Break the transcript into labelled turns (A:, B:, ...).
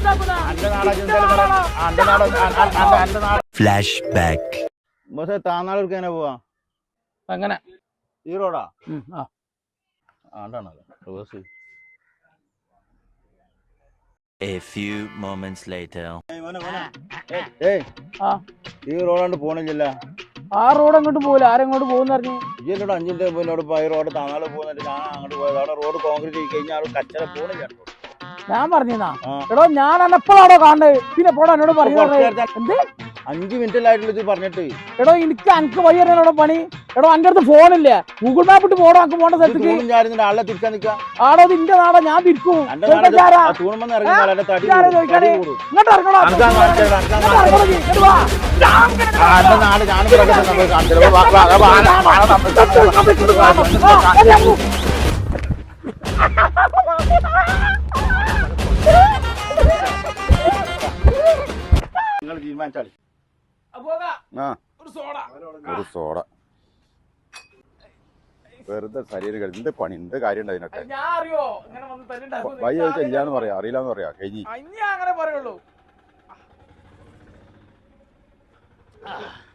A: Flash back.
B: താന്നാളൂർക്ക് എങ്ങനെ പോവാ?
C: അങ്ങനെ
B: ഈ റോഡാ?
A: A few moments later.
B: ഈ റോഡാണ്ട് പോണില്ല.
C: ആ റോഡ് അങ്ങോട്ട് പോകില്ല. ആരെങ്ങോട്ട് പോകുന്ന പറഞ്ഞു?
B: ഇജ്ജോട് 5 മിനിറ്റ് മുന്നോട് ഈ റോഡ് താന്നാള് പോകുന്നിട്ട് ഞാൻ അങ്ങോട്ട് പോയത്. അവിടെ റോഡ് കോൺക്രീറ്റ് ചെയ്ത് കഴിഞ്ഞാൽ കച്ചറ പോണില്ല.
C: ഞാൻ പറഞ്ഞാ എടോ ഞാൻ എന്നെപ്പോഴാണോ കാണുന്നത്? പിന്നെ എപ്പോഴാ എന്നോട് പറഞ്ഞു? എന്ത്
B: 5 മിനിറ്റിലായിട്ടുള്ള ഇത് പറഞ്ഞിട്ട്?
C: എടോ എനിക്ക് വഴി അറിയാനോടോ പണി. എടോ എന്റെ അടുത്ത് ഫോണില്ല. ഗൂഗിൾ മാപ്പ് ഇട്ട് പോടോ. നമുക്ക് പോകേണ്ട സ്ഥലത്തേക്ക്.
B: ആളെ തിരിച്ചാ നിൽക്കുക.
C: ആടോ ഇതിന്റെ നാടാ, ഞാൻ തിരിക്കും. ഇങ്ങോട്ട് ഇറങ്ങണോ?
B: നിങ്ങൾ തീരുമാനിച്ചാളി.
D: ഒരു സോഡ വെറുതെ ശരീരം എന്ത് പണി, എന്ത് കാര്യം ഉണ്ട് അതിനൊക്കെ? വഴി ചോദിച്ചാൽ ഇല്ലാന്ന് പറയാ, അറിയില്ലാന്ന് പറയാ. കഴിഞ്ഞി
C: അങ്ങനെ പറയുള്ളൂ.